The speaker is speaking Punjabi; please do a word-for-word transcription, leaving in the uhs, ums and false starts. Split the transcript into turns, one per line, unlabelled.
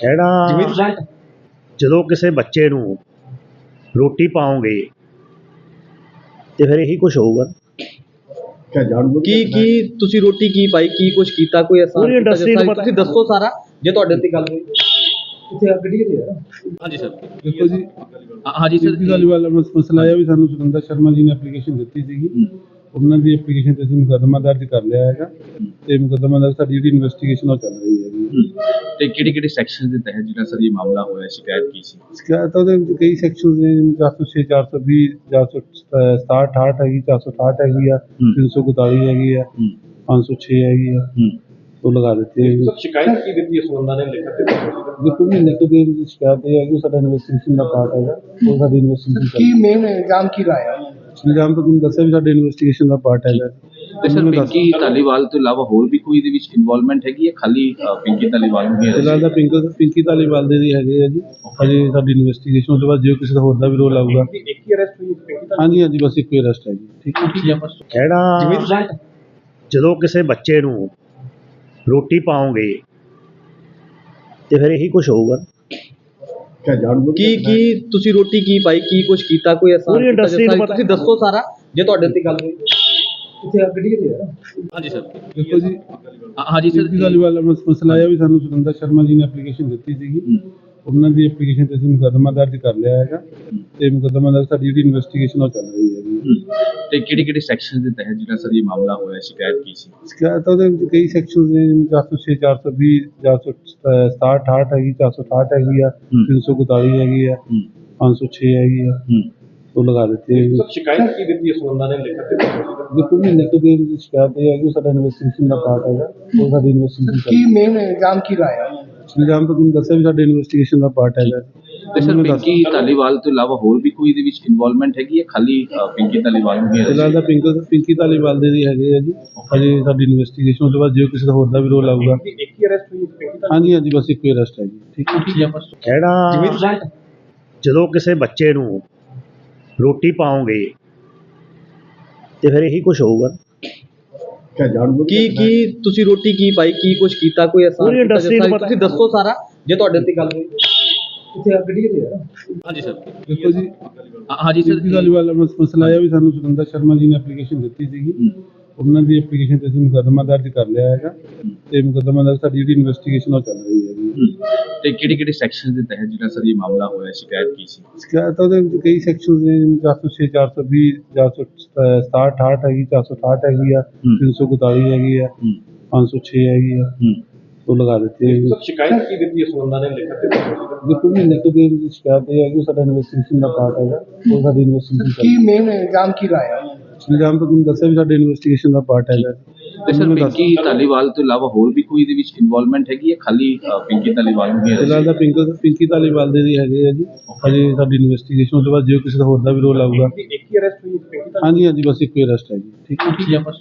ਜਿਹੜਾ ਜਦੋਂ ਕਿਸੇ ਬੱਚੇ ਨੂੰ ਰੋਟੀ ਪਾਓਗੇ ਤੇ ਫਿਰ ਇਹੀ ਕੁਝ ਹੋਊਗਾ।
ਕੀ ਕੀ ਤੁਸੀਂ ਰੋਟੀ ਕੀ ਪਾਈ, ਕੀ ਕੁਝ ਕੀਤਾ, ਕੋਈ ਐਸਾ
ਪੂਰੀ industry ਨੂੰ ਪਤਾ-
ਤੁਸੀਂ ਦੱਸੋ ਸਾਰਾ, ਜੇ ਤੁਹਾਡੇ ਤੇ ਗੱਲ ਹੋਈ। ਕਿੱਥੇ ਆ ਗੱਡੀ ਕਿੱਥੇ ਆ?
ਹਾਂਜੀ ਸਰ।
ਦੇਖੋ ਜੀ,
ਹਾਂਜੀ ਸਰ।
ਜੀ ਗੱਲ ਵਾਲਾ ਮਸਲਾ ਆਇਆ ਵੀ ਸਾਨੂੰ ਸੁਰਿੰਦਰ ਸ਼ਰਮਾ ਜੀ ਨੇ ਐਪਲੀਕੇਸ਼ਨ ਦਿੱਤੀ ਸੀਗੀ। ਉਹਨਾਂ ਦੀ ਐਪਲੀਕੇਸ਼ਨ ਤੇ ਅਸੀਂ ਮੁਕੱਦਮਾ ਦਰਜ ਕਰ ਲਿਆ ਹੈਗਾ ਤੇ ਮੁਕੱਦਮਾ ਦਰਜ ਸਾਡੀ ਜਿਹੜੀ ਇਨਵੈਸਟੀਗੇਸ਼ਨ ਉਹ ਚੱਲ ਰਹੀ ਹੈਗੀ।
ਤੇ ਕਿਹੜੇ ਕਿਹੜੇ ਸੈਕਸ਼ਨ ਦੇ ਤਹਿਤ ਜਿਹੜਾ ਸਰ ਇਹ ਮਾਮਲਾ ਹੋਇਆ, ਸ਼ਿਕਾਇਤ ਕੀ ਸੀ?
ਸ਼ਿਕਾਇਤ ਉਹਦੇ ਵਿੱਚ ਕਈ ਸੈਕਸ਼ਨਸ ਨੇ, ਜਿਵੇਂ ਚਾਰ ਸੌ ਛੇ, ਚਾਰ ਸੌ ਵੀਹ, ਚਾਰ ਸੌ ਸਤਾਹਠ, ਅਠਾਹਠ ਹੈਗੀ, ਚਾਰ ਸੌ ਅਠਾਹਠ ਹੈਗੀ ਆ, ਤਿੰਨ ਸੌ ਇਕਤਾਲੀ ਹੈਗੀ ਆ, ਪੰਜ ਸੌ ਛੇ ਹੈਗੀ ਆ, ਉਹ ਲਗਾ ਦਿੱਤੀ ਹੈ।
ਸ਼ਿਕਾਇਤ ਕੀ ਦਿੱਤੀ ਇਸ ਬੰਦਾ ਨੇ ਲਿਖ ਕੇ?
ਦੇਖੋ ਜੀ, ਲਿਖ ਦੇ ਵਿੱਚ ਸ਼ਿਕਾਇਤ ਇਹ ਹੈ ਕਿ ਉਹ ਸਾਡਾ ਇਨਵੈਸਟੀਗੇਸ਼ਨ ਦਾ ਪਾਰਟ ਹੈਗਾ, ਉਹ ਸਾਡੀ ਇਨਵੈਸਟੀਗੇਸ਼ਨ
ਕੀ ਮੇਨ ਇਲਜ਼ਾਮ ਕੀ ਲਾਇਆ?
ਇਲਜ਼ਾਮ ਤਾਂ ਤੁਹਾਨੂੰ ਦੱਸਿਆ ਵੀ ਸਾਡੇ ਇਨਵੈਸਟੀਗੇਸ਼ਨ ਦਾ ਪਾਰਟ ਹੈਗਾ।
ਤੇ ਸਰ ਪਿੰਕੀ ਧਾਲੀਵਾਲ ਤੋਂ ਇਲਾਵਾ ਹੋਰ ਵੀ ਕੋਈ ਇਹਦੇ ਵਿੱਚ ਇਨਵੋਲਵਮੈਂਟ ਹੈਗੀ ਹੈ, ਖਾਲੀ ਅ, ਪਿੰਕੀ ਧਾਲੀਵਾਲ ਨੂੰ ਹੀ ਹੈ?
ਫਿਲਹਾਲ ਤਾਂ ਪਿੰਕਲ ਪਿੰਕੀ ਧਾਲੀਵਾਲ ਦੇ ਦੀ ਹੈਗੇ ਆ ਜੀ, ਅਜੇ ਸਾਡੀ ਇਨਵੈਸਟੀਗੇਸ਼ਨ ਤੋਂ ਬਾਅਦ ਜੇ ਕਿਸੇ ਦਾ ਹੋਰ ਦਾ ਵੀ ਰੋਲ ਆਊਗਾ।
ਇੱਕ ਹੀ ਅਰੈਸਟ ਹੋਈ ਪਿੰਕੀ ਦਾ?
ਹਾਂਜੀ ਹਾਂਜੀ, ਬਸ ਇੱਕੋ ਹੀ ਅਰੈਸਟ ਹੈ ਜੀ। ਠੀਕ ਹੈ ਜੀ।
ਜਿਹੜਾ ਜਦੋਂ ਕਿਸੇ ਬੱਚੇ ਨੂੰ ਰੋਟੀ ਪਾਓਗੇ ਤੇ ਫਿਰ ਇਹੀ ਕੁਝ ਹੋਊਗਾ।
ਕੀ ਕੀ ਤੁਸੀਂ ਰੋਟੀ ਕੀ ਪਾਈ, ਕੀ ਕੁਝ ਕੀਤਾ, ਕੋਈ ਐਸਾ
ਪੂਰੀ industry ਨੂੰ ਪਤਾ-
ਤੁਸੀਂ ਦੱਸੋ ਸਾਰਾ, ਜੇ ਤੁਹਾਡੇ ਤੇ ਗੱਲ ਹੋਈ। ਕਿੱਥੇ ਆ ਗੱਡੀ ਕਿੱਥੇ ਆ?
ਹਾਂਜੀ ਸਰ।
ਦੇਖੋ ਜੀ,
ਹਾਂਜੀ ਸਰ।
ਜੀ ਗੱਲ ਵਾਲਾ ਮਸਲਾ ਆਇਆ ਵੀ ਸਾਨੂੰ ਸੁਰਿੰਦਰ ਸ਼ਰਮਾ ਜੀ ਨੇ ਐਪਲੀਕੇਸ਼ਨ ਦਿੱਤੀ ਸੀਗੀ। ਉਹਨਾਂ ਦੀ ਐਪਲੀਕੇਸ਼ਨ ਤੇ ਅਸੀਂ ਮੁਕੱਦਮਾ ਦਰਜ ਕਰ ਲਿਆ ਹੈਗਾ ਤੇ ਮੁਕੱਦਮਾ ਦਰਜ ਸਾਡੀ ਜਿਹੜੀ ਇਨਵੈਸਟੀਗੇਸ਼ਨ ਉਹ ਚੱਲ ਰਹੀ ਹੈਗੀ।
ਤੇ ਕਿਹੜੇ ਕਿਹੜੇ ਸੈਕਸ਼ਨ ਦੇ ਤਹਿਤ ਜਿਹੜਾ ਸਰ ਇਹ ਮਾਮਲਾ ਹੋਇਆ, ਸ਼ਿਕਾਇਤ ਕੀ ਸੀ?
ਸ਼ਿਕਾਇਤ ਉਹਦੇ ਵਿੱਚ ਕਈ ਸੈਕਸ਼ਨਸ ਨੇ, ਜਿਵੇਂ ਚਾਰ ਸੌ ਛੇ, ਚਾਰ ਸੌ ਵੀਹ, ਚਾਰ ਸੌ ਸਤਾਹਠ, ਅਠਾਹਠ ਹੈਗੀ, ਚਾਰ ਸੌ ਅਠਾਹਠ ਹੈਗੀ ਆ, ਤਿੰਨ ਸੌ ਇਕਤਾਲੀ ਹੈਗੀ ਆ, ਪੰਜ ਸੌ ਛੇ ਹੈਗੀ ਆ, ਉਹ ਲਗਾ ਦਿੱਤੀ ਹੈ।
ਸ਼ਿਕਾਇਤ ਕੀ ਦਿੱਤੀ ਇਸ ਬੰਦਾ ਨੇ ਲਿਖ ਕੇ?
ਦੇਖੋ ਜੀ, ਲਿਖ ਦੇ ਵਿੱਚ ਸ਼ਿਕਾਇਤ ਇਹ ਹੈ ਕਿ ਉਹ ਸਾਡਾ ਇਨਵੈਸਟੀਗੇਸ਼ਨ ਦਾ ਪਾਰਟ ਹੈਗਾ, ਉਹ ਸਾਡੀ ਇਨਵੈਸਟੀਗੇਸ਼ਨ
ਕੀ ਮੇਨ ਇਲਜ਼ਾਮ ਕੀ ਲਾਇਆ?
ਇਲਜ਼ਾਮ ਤਾਂ ਤੁਹਾਨੂੰ ਦੱਸਿਆ ਵੀ ਸਾਡੇ ਇਨਵੈਸਟੀਗੇਸ਼ਨ ਦਾ ਪਾਰਟ ਹੈਗਾ।
ਤੇ ਸਰ ਪਿੰਕੀ ਧਾਲੀਵਾਲ ਤੋਂ ਇਲਾਵਾ ਹੋਰ ਵੀ ਕੋਈ ਇਹਦੇ ਵਿੱਚ ਇਨਵੋਲਵਮੈਂਟ ਹੈਗੀ ਹੈ, ਖਾਲੀ ਅ, ਪਿੰਕੀ ਧਾਲੀਵਾਲ ਨੂੰ ਹੀ ਹੈ?
ਫਿਲਹਾਲ ਤਾਂ ਪਿੰਕਲ ਪਿੰਕੀ ਧਾਲੀਵਾਲ ਦੇ ਦੀ ਹੈਗੇ ਆ ਜੀ, ਅਜੇ ਸਾਡੀ ਇਨਵੈਸਟੀਗੇਸ਼ਨ ਤੋਂ ਬਾਅਦ ਜੇ ਕਿਸੇ ਦਾ ਹੋਰ ਦਾ ਵੀ ਰੋਲ ਆਊਗਾ।
ਇੱਕ ਹੀ ਅਰੈਸਟ ਹੋਈ ਪਿੰਕੀ ਦਾ?
ਹਾਂਜੀ ਹਾਂਜੀ, ਬਸ ਇੱਕੋ ਹੀ ਅਰੈਸਟ ਹੈ ਜੀ। ਠੀਕ ਹੈ ਜੀ।
ਜਿਹੜਾ ਜਦੋਂ ਕਿਸੇ ਬੱਚੇ ਨੂੰ ਰੋਟੀ ਪਾਓਗੇ ਤੇ ਫਿਰ ਇਹੀ ਕੁਝ ਹੋਊਗਾ।
ਕੀ ਕੀ ਤੁਸੀਂ ਰੋਟੀ ਕੀ ਪਾਈ, ਕੀ ਕੁਝ ਕੀਤਾ, ਕੋਈ ਐਸਾ
ਪੂਰੀ industry ਨੂੰ ਪਤਾ-
ਤੁਸੀਂ ਦੱਸੋ ਸਾਰਾ, ਜੇ ਤੁਹਾਡੇ ਤੇ ਗੱਲ ਹੋਈ। ਕਿੱਥੇ ਆ ਗੱਡੀ ਕਿੱਥੇ ਆ?
ਹਾਂਜੀ ਸਰ।
ਦੇਖੋ ਜੀ,
ਹਾਂਜੀ ਸਰ।
ਜੀ ਗੱਲ ਵਾਲਾ ਮਸਲਾ ਆਇਆ ਵੀ ਸਾਨੂੰ ਸੁਰਿੰਦਰ ਸ਼ਰਮਾ ਜੀ ਨੇ ਐਪਲੀਕੇਸ਼ਨ ਦਿੱਤੀ ਸੀਗੀ। ਉਹਨਾਂ ਦੀ ਐਪਲੀਕੇਸ਼ਨ ਤੇ ਅਸੀਂ ਮੁਕੱਦਮਾ ਦਰਜ ਕਰ ਲਿਆ ਹੈਗਾ ਤੇ ਮੁਕੱਦਮਾ ਦਰਜ ਸਾਡੀ ਜਿਹੜੀ ਇਨਵੈਸਟੀਗੇਸ਼ਨ ਉਹ ਚੱਲ ਰਹੀ ਹੈਗੀ।
ਤੇ ਕਿਹੜੇ ਕਿਹੜੇ ਸੈਕਸ਼ਨ ਦੇ ਤਹਿਤ ਜਿਹੜਾ ਸਰ ਇਹ ਮਾਮਲਾ ਹੋਇਆ, ਸ਼ਿਕਾਇਤ ਕੀ ਸੀ?
ਸ਼ਿਕਾਇਤ ਉਹਦੇ ਵਿੱਚ ਕਈ ਸੈਕਸ਼ਨਸ ਨੇ, ਜਿਵੇਂ ਚਾਰ ਸੌ ਛੇ, ਚਾਰ ਸੌ ਵੀਹ, ਚਾਰ ਸੌ ਸਤਾਹਠ, ਅਠਾਹਠ ਹੈਗੀ, ਚਾਰ ਸੌ ਅਠਾਹਠ ਹੈਗੀ ਆ, ਤਿੰਨ ਸੌ ਇਕਤਾਲੀ ਹੈਗੀ ਆ, ਪੰਜ ਸੌ ਛੇ ਹੈਗੀ ਆ, ਉਹ ਲਗਾ ਦਿੱਤੀ ਹੈ।
ਸ਼ਿਕਾਇਤ ਕੀ ਦਿੱਤੀ ਇਸ ਬੰਦਾ ਨੇ ਲਿਖ ਕੇ?
ਦੇਖੋ ਜੀ, ਲਿਖ ਦੇ ਵਿੱਚ ਸ਼ਿਕਾਇਤ ਇਹ ਹੈ ਕਿ ਉਹ ਸਾਡਾ ਇਨਵੈਸਟੀਗੇਸ਼ਨ ਦਾ ਪਾਰਟ ਹੈਗਾ, ਉਹ ਸਾਡੀ ਇਨਵੈਸਟੀਗੇਸ਼ਨ
ਕੀ ਮੇਨ ਇਲਜ਼ਾਮ ਕੀ ਲਾਇਆ?
ਇਲਜ਼ਾਮ ਤਾਂ ਤੁਹਾਨੂੰ ਦੱਸਿਆ ਵੀ ਸਾਡੇ ਇਨਵੈਸਟੀਗੇਸ਼ਨ ਦਾ ਪਾਰਟ ਹੈਗਾ।
ਤੇ ਸਰ ਪਿੰਕੀ ਧਾਲੀਵਾਲ ਤੋਂ ਇਲਾਵਾ ਹੋਰ ਵੀ ਕੋਈ ਇਹਦੇ ਵਿੱਚ ਇਨਵੋਲਵਮੈਂਟ ਹੈਗੀ ਹੈ, ਖਾਲੀ ਅ, ਪਿੰਕੀ ਧਾਲੀਵਾਲ ਨੂੰ ਹੀ ਹੈ?
ਫਿਲਹਾਲ ਤਾਂ ਪਿੰਕਲ ਪਿੰਕੀ ਧਾਲੀਵਾਲ ਦੇ ਦੀ ਹੈਗੇ ਆ ਜੀ, ਅਜੇ ਸਾਡੀ ਇਨਵੈਸਟੀਗੇਸ਼ਨ ਤੋਂ ਬਾਅਦ ਜੇ ਕਿਸੇ ਦਾ ਹੋਰ ਦਾ ਵੀ ਰੋਲ ਆਊਗਾ।
ਇੱਕ ਹੀ ਅਰੈਸਟ ਹੋਈ ਪਿੰਕੀ ਦਾ?
ਹਾਂਜੀ ਹਾਂਜੀ, ਬਸ ਇੱਕੋ ਹੀ ਅਰੈਸਟ ਹੈ ਜੀ। ਠੀਕ ਹੈ ਜੀ।